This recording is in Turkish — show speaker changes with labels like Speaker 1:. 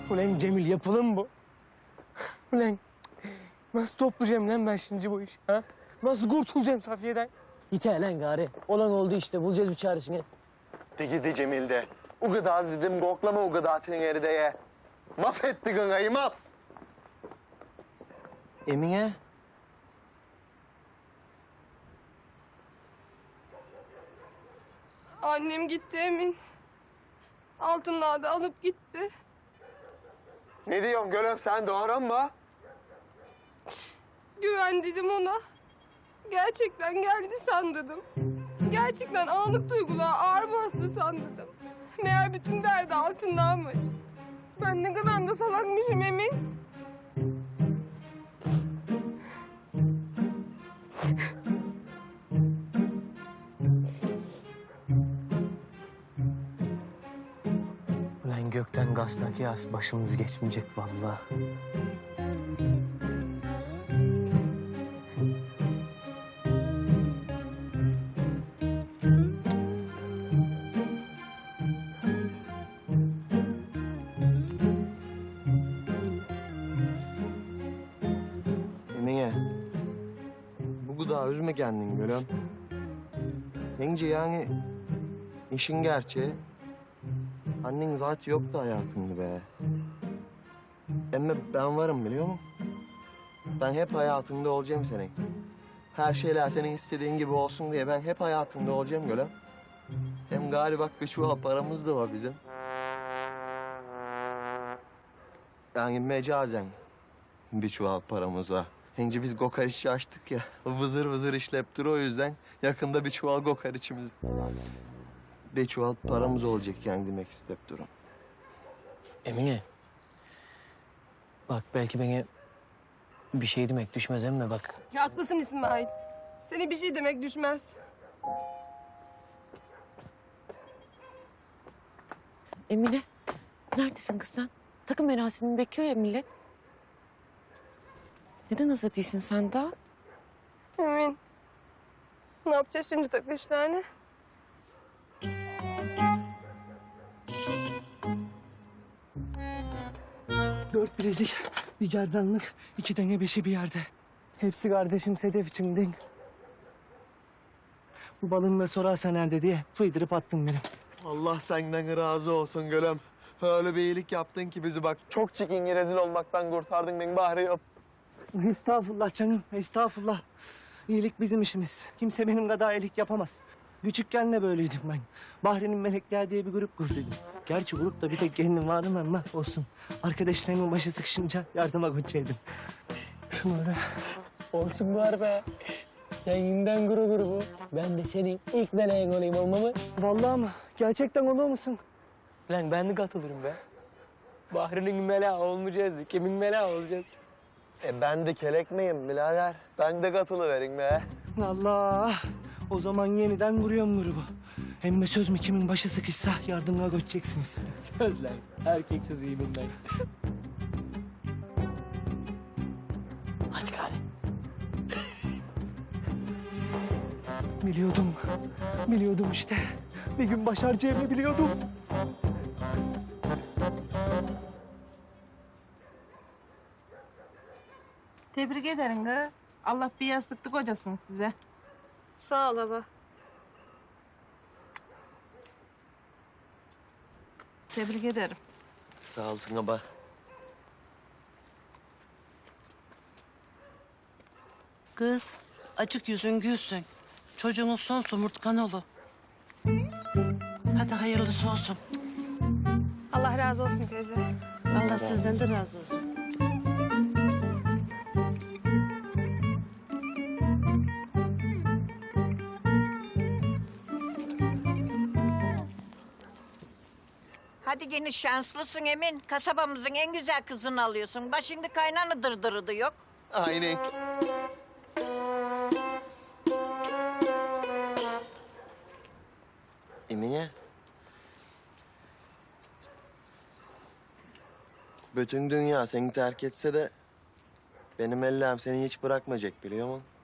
Speaker 1: Ulan Cemil yapılır mı bu? Ulan nasıl toplayacağım lan ben şimdi bu işi? Ha? Nasıl kurtulacağım Safiye'den?
Speaker 2: Yeter lan gari. Olan oldu işte. Bulacağız bir çaresini.
Speaker 3: De gidi Cemil de. O kadar dedim koklama o kadar teneri ye. Mahvetti gıngayı mahv. Emine.
Speaker 4: Annem gitti Emin. Altınları da alıp gitti.
Speaker 3: Ne diyorsun gülüm sen doğru mu?
Speaker 4: Güvendim ona. Gerçekten geldi sandım. Gerçekten anlık duygular ağır bastı sandım. Meğer bütün derdi altındanmış. Ben ne kadar da salakmışım Emin.
Speaker 1: Ulan gökten gaznak yağız başımız geçmeyecek vallahi.
Speaker 3: Emine. Bu kadar üzme kendini gülüm. Bence yani işin gerçeği. Annen zaten yoktu hayatında be. Ama ben varım biliyor musun? Ben hep hayatında olacağım senin. Her şeyler senin istediğin gibi olsun diye ben hep hayatında olacağım gülüm. Hem galiba bir çuval paramız da var bizim. Yani mecazen bir çuval paramız var. Şimdi biz kokoreççi açtık ya. Vızır vızır işlep o yüzden yakında bir çuval kokoreçimiz. Bir çuval paramız olacak yani demek istep durum.
Speaker 2: Emine. Bak belki bana bir şey demek düşmez ama bak.
Speaker 4: Haklısın İsmail. Seni bir şey demek düşmez.
Speaker 5: Emine, neredesin kız sen? Takım merasimini bekliyor ya millet. Neden hazır değilsin sen daha?
Speaker 4: Emin. Ne yapacağız şimdi takı işlerini?
Speaker 1: Dört bilezik, bir gerdanlık, iki tane beşi bir yerde. Hepsi kardeşim Sedef için değil. Bu balını da sorarsa nerede diye fıydırıp attın benim.
Speaker 3: Allah senden razı olsun gülüm. Öyle bir iyilik yaptın ki bizi bak. Çok çirkin rezil olmaktan kurtardın beni bari yap.
Speaker 1: Estağfurullah canım, estağfurullah. İyilik bizim işimiz. Kimse benim kadar iyilik yapamaz. Küçükken de böyleydim ben. Bahri'nin Melekler diye bir grup kurduydum. Gerçi grupta bir tek kendim vardım ama olsun. Arkadaşlarımın başı sıkışınca yardıma koşacaktım. Şunu öyle.
Speaker 2: Olsun var be. Sen yeniden grubu. Ben de senin ilk meleğin olayım olmamı.
Speaker 1: Vallahi mı? Gerçekten olur musun?
Speaker 2: Lan ben de katılırım be. Bahri'nin meleği olmayacağız da kimin meleği olacağız?
Speaker 3: Ben de kelek miyim birader? Ben de katılıverin be.
Speaker 1: Allah! O zaman yeniden kuruyorum grubu. Hem de söz mü kimin başı sıkışsa yardıma koşacaksınız.
Speaker 2: Söz lan. Erkeksiz iyi bundan. Hadi gari.
Speaker 1: Biliyordum. Biliyordum işte. Bir gün başaracağımı biliyordum.
Speaker 6: Tebrik ederim kız. Allah bir yastıklı kocasın size.
Speaker 4: Sağ ol baba.
Speaker 6: Tebrik ederim.
Speaker 3: Sağ olsun baba.
Speaker 7: Kız, açık yüzün gülsün. Çocuğunun son somurtkan olu. Hadi hayırlısı olsun.
Speaker 4: Allah razı olsun teyze.
Speaker 7: Allah sizden de razı olsun.
Speaker 8: Hadi gene şanslısın Emin. Kasabamızın en güzel kızını alıyorsun. Bak şimdi kaynana dırdırı da yok.
Speaker 3: Aynen. Emine. Bütün dünya seni terk etse de benim ellerim seni hiç bırakmayacak biliyor musun?